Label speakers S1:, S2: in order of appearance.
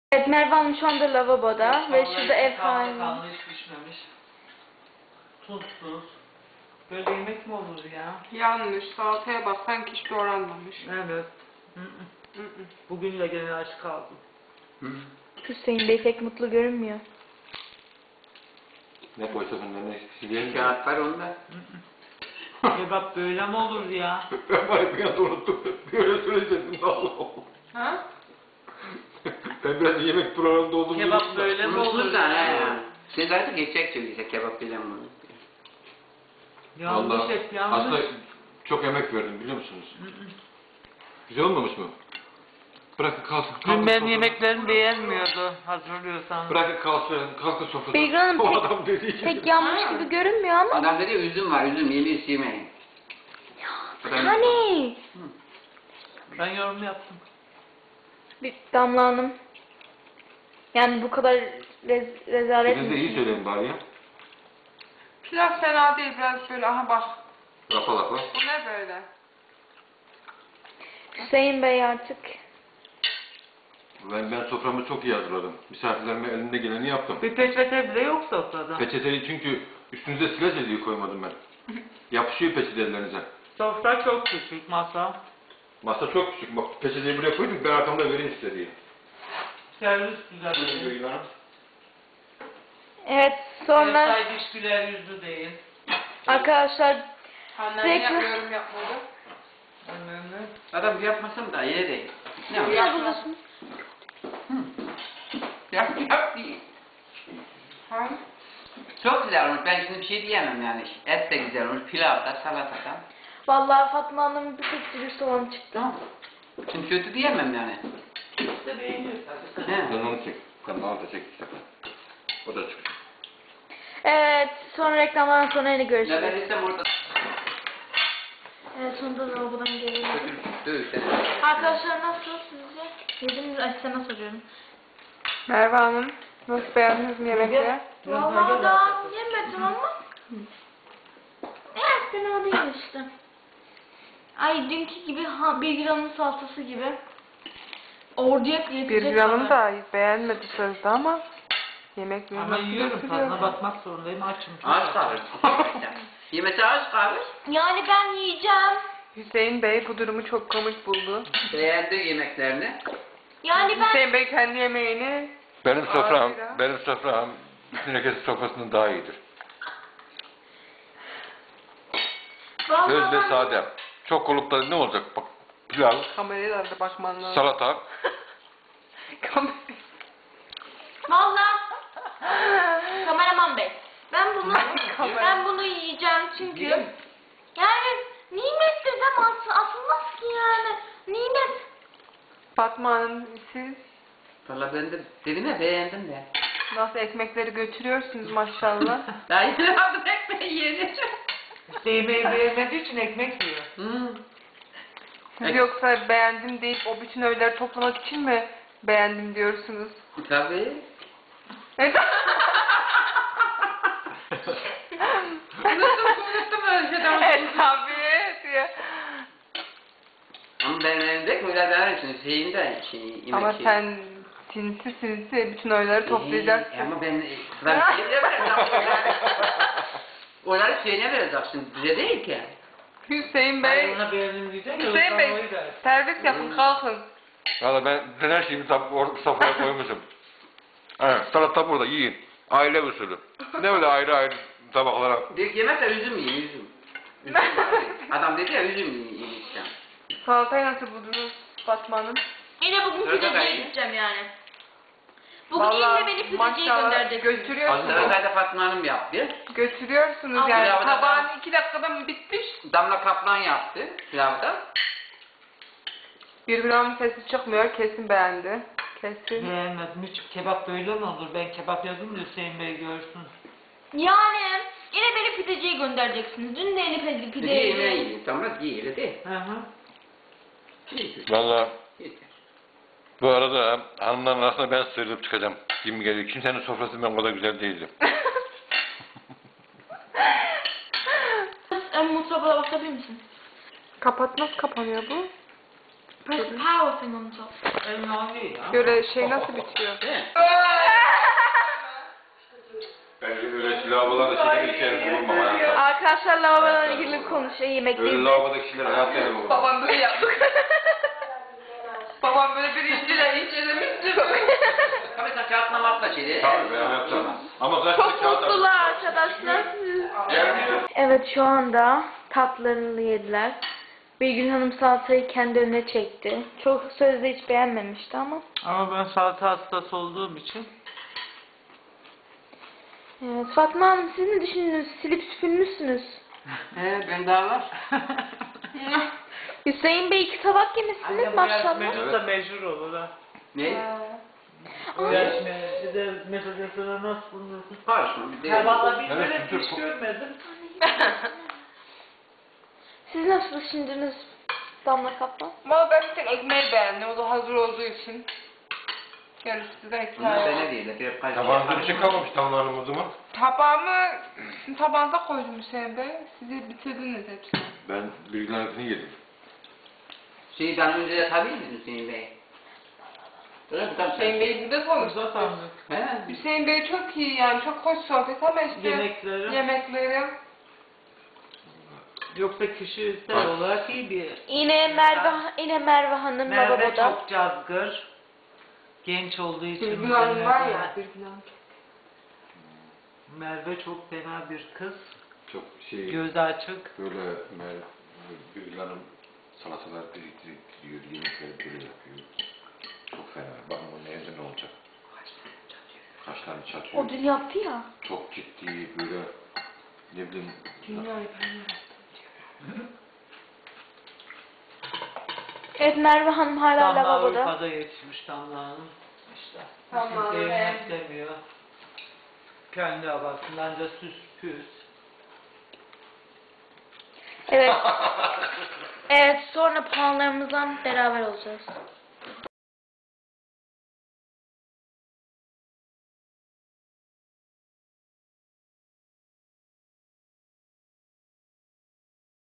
S1: Evet, Merve Hanım şu anda lavaboda ve şurada ev sahibi.
S2: Kanlı hiç pişmemiş. Tuzsuz. Böyle yemek mi olur ya?
S3: Yanlış. Salataya bak. Sanki hiç doğranmamış.
S2: Evet. Bugün de gene aç kaldım.
S1: Hüseyin Bey pek mutlu görünmüyor.
S4: Ne koysa bunların eskisi değil mi?
S5: Kağıt var onda.
S2: Kebap böyle mi olur ya?
S4: Ben var ya bir anda unuttum. Böyle söyleyecektim Allah Allah.
S3: Ha?
S4: Ben biraz yemek programında olduğumu
S2: Kebap
S4: unuttum da.
S2: böyle mi olur
S5: Unutmuşlar
S2: ya?
S5: ya. Sen artık geçecek söyleyecek kebap bilen bunu.
S2: Yanlış
S4: Vallahi
S2: hep yanlış.
S4: aslında çok emek verdim biliyor musunuz? Güzel olmamış mı? Bırakın kalsın.
S2: Dün
S4: kalkın
S2: benim
S4: sofradan.
S2: yemeklerimi beğenmiyordu hazırlıyorsan.
S4: Bırakın kalsın sofradan.
S1: Beygir Hanım
S4: O adam dediği gibi.
S1: pek yanmış gibi görünmüyor ama.
S5: Adam dedi üzüm var üzüm yemeği yemeyin.
S1: Hani?
S2: Ben yorum yaptım.
S1: Bir Damla Hanım. Yani bu kadar rezalet
S4: Siz de iyi söyleyin bari ya.
S3: Pilav fena değil. Biraz böyle aha bak.
S4: Lafa lafa.
S3: Bu ne böyle?
S1: Hüseyin Bey artık.
S4: Ben soframı çok iyi hazırladım. Misafirlerime elimde geleni yaptım.
S2: Bir peçete bile yok sofrada.
S4: Peçeteyi çünkü üstünüze silah ediyor koymadım ben. Yapışıyor peçete ellerinize.
S2: Sofra çok küçük masa.
S4: Masa çok küçük. Bak peçeteyi buraya koydum ben arkamda vereyim size diye.
S2: Servis güzel.
S4: Buyurun hanım.
S1: Evet, sonra
S2: Ev sahibi hiç güler yüzlü değil.
S1: arkadaşlar
S3: Annem
S1: Peki.
S3: yapıyorum yapmadı.
S2: Önemli.
S5: Adam yapmasam da yine değil. Ne
S1: ne
S5: var?
S1: buluyorsunuz?
S5: Yap değil.
S3: Ha?
S5: Çok güzel olmuş. Ben şimdi bir şey diyemem yani. Et de güzel olmuş. Pilav da salata da.
S1: Vallahi Fatma Hanım bir tek dürüst olan çıktı.
S5: Tamam. Şimdi kötü diyemem yani.
S2: İşte beğeniyor tabii.
S5: He.
S4: Sen onu çek. Sen bana da çek işte. O da çık.
S1: Evet, sonra reklamdan sonra yine
S5: Ne
S1: görüşürüz.
S5: ben istem orada.
S1: Evet, sonunda lavabodan geliyorum.
S5: Dövüşten.
S1: Arkadaşlar nasıl sizce? Yediniz, ay sana soruyorum.
S3: Merve Hanım. Nasıl beğendiniz mi yemekleri?
S1: Vallahi daha yemedim ama. Evet, fena değil işte. Ay dünkü gibi bir gramın salatası gibi. Orduya yetecek
S3: Bir gramını
S1: kadar.
S3: da beğenmedi sözde ama yemek
S2: Ama
S3: nasıl
S2: yiyorum
S3: götürüyor?
S2: tadına bakmak zorundayım açım. çok
S5: Ağaç
S2: aç.
S5: kalır. Yemesi ağaç kalır.
S1: Yani ben yiyeceğim.
S3: Hüseyin Bey bu durumu çok komik buldu.
S5: Beğendi yemeklerini.
S1: Yani ben...
S3: Hüseyin Bey kendi yemeğini
S4: Benim sofram bütün herkesin sofrasından daha iyidir.
S1: Vallahi
S4: Öz ve
S1: ben-
S4: sade. Çok olup da ne olacak? Bak pilav,
S3: kamerayla da bakman lazım.
S4: salata.
S1: Vallahi kameraman bey. Ben bunu yiyeceğim çünkü yani nimet desem asılmaz ki yani. Nimet.
S3: Fatma Hanım siz
S5: Valla ben de dedim ya beğendim de.
S3: nasıl ekmekleri götürüyorsunuz maşallah.
S5: Daha yeni aldım ekmeği yeni.
S2: İşte yemeği beğenmediği için ekmek yiyor.
S3: Siz yoksa beğendim deyip o bütün öğeleri toplamak için mi beğendim diyorsunuz?
S5: Tabii.
S3: Evet.
S5: Unuttum öyle şeyden.
S3: Tabii diye.
S5: Ama ben elimde öyle verirsin. Şeyin de yemek
S3: Ama
S5: şeyi.
S3: sen sinsi bütün öğeleri toplayacaksın.
S5: Ama ben şeyine vereceğim. Onları şeyine vereceksin. Bize değil ki.
S3: Hüseyin
S2: Hayır
S3: Bey,
S2: ona beğendim diyeceksin.
S3: Hüseyin Bey servis yapın kalkın.
S4: Valla ben her şeyimi sofraya koymuşum. Evet, salata burada yiyin. Aile usulü. Ne öyle ayrı ayrı tabaklara.
S5: Yemek de üzüm yiyin üzüm. Üzüm var. Adam dedi ya üzüm yiyin işte.
S3: Salatayı nasıl buldunuz Fatma Hanım?
S1: Yine bugün
S5: Öyle
S1: pideciye
S5: ben-
S1: gideceğim yani. Bugün
S3: Vallahi
S1: yine beni pideciye
S3: maşallah
S1: gönderecek.
S3: götürüyorsunuz.
S5: Aslında da Fatma Hanım yaptı.
S3: Götürüyorsunuz
S1: Al,
S3: yani.
S5: pilavı da
S3: Tabağın
S5: ben-
S3: 2 dakikada mı bitmiş?
S5: Damla Kaplan yaptı pilavda.
S3: Bir gram sesi çıkmıyor. Kesin beğendi. Kesin.
S2: Beğenmedim. Hiç kebap böyle mi olur? Ben kebap yazdım da Hüseyin Bey görsün.
S1: Yani yine beni pideciye göndereceksiniz. Dün de yeni
S5: Bir de
S1: pideye
S5: yemeği
S1: yedim.
S5: yiyin. Tamam yiyin öyle değil.
S2: Hı hı.
S4: Valla
S5: Yeter.
S4: bu arada hanımların arasında ben sıyrılıp çıkacağım gibi geliyor. Kimsenin sofrası ben o kadar güzel değildi.
S1: Mutfağa bakabilir misin?
S3: Kapat nasıl kapanıyor bu?
S1: Press the power thing on top.
S2: Önemli ya.
S3: Böyle şey nasıl bitiyor?
S5: Değil mi?
S4: Bence öyle lavabolarda şeker içeri bulunmam hayatta.
S1: Arkadaşlar lavabolarla ilgili konuşuyor
S4: Öyle
S1: yemekteyiz.
S4: lavabodaki kişiler hayatta yemem.
S3: Babam böyle yaptık. Babam böyle bir incelemişti.
S5: Tabii sen kağıtla matla şeydi.
S4: Tabii ben hayatta. Ama kaç
S1: Çok mutlular arkadaşlar. Evet şu anda tatlarını yediler. Birgül Hanım salatayı kendi önüne çekti. Çok sözde hiç beğenmemişti ama.
S2: Ama ben salata hastası olduğum için
S1: Evet, Fatma Hanım siz ne düşündünüz? Silip süpürmüşsünüz.
S5: Ben daha var.
S1: Hüseyin Bey 2 tabak yemişsiniz
S2: anne bu
S1: maşallah.
S2: yarışmacı da mecbur olur ha.
S5: Ne?
S2: Bu yarışmaya bir de mesela sana nasıl bulunursun?
S5: Karışma bir de.
S2: Ya valla bir
S4: Evet,
S2: böyle
S4: çünkü
S2: hiç görmedim.
S1: Siz nasıl düşündünüz Damla Kaplan?
S3: Valla ben bir tek ekmeği beğendim. O da hazır olduğu için. Yarısı da
S5: Bunlar da
S3: hikaye.
S5: ne değil? Hep karışma.
S4: Tabağınızda bir şey kalmamış damlarım o zaman.
S3: Tabağımı tabağınıza koydum Hüseyin Bey. Siz bitirdiniz hepsini.
S4: Ben bilgilerini yedim.
S5: Şeyi ben önce yatabilir misin Hüseyin Bey? Öyle mi? Tamam
S3: Hüseyin
S5: sen.
S3: Bey burada
S2: Burada
S3: konuştuk.
S2: sandık.
S5: He?
S3: Hüseyin Bey çok iyi yani çok hoş sohbet ama işte
S2: Yemekleri.
S3: yemekleri.
S2: Yoksa kişisel olarak iyi bir.
S1: Yine Merve Hanım
S2: Merve
S1: lavaboda.
S2: çok cazgır. Genç olduğu için.
S3: Birgül Hanım var
S2: Merve-
S3: ya. Birgül Hanım.
S2: Merve çok fena bir kız.
S4: Çok şey,
S2: Gözü açık.
S4: böyle bilgilerim salatalar biriktiriyor, yemekleri böyle yapıyor. Çok fena. Bakın bunun evde ne olacak? Kaşlarını çatıyor.
S1: O dün yaptı ya.
S4: Çok ciddi böyle ne bileyim.
S1: Evet Merve Hanım hala
S2: Damla
S1: lavaboda.
S2: Avrupa'da yetişmiş Damla Hanım. İşte.
S3: Tamam,
S2: Kimseyi
S3: evet.
S2: istemiyor. Kendi havasındanca süs püs.
S1: Evet. Evet sonra puanlarımızdan beraber olacağız.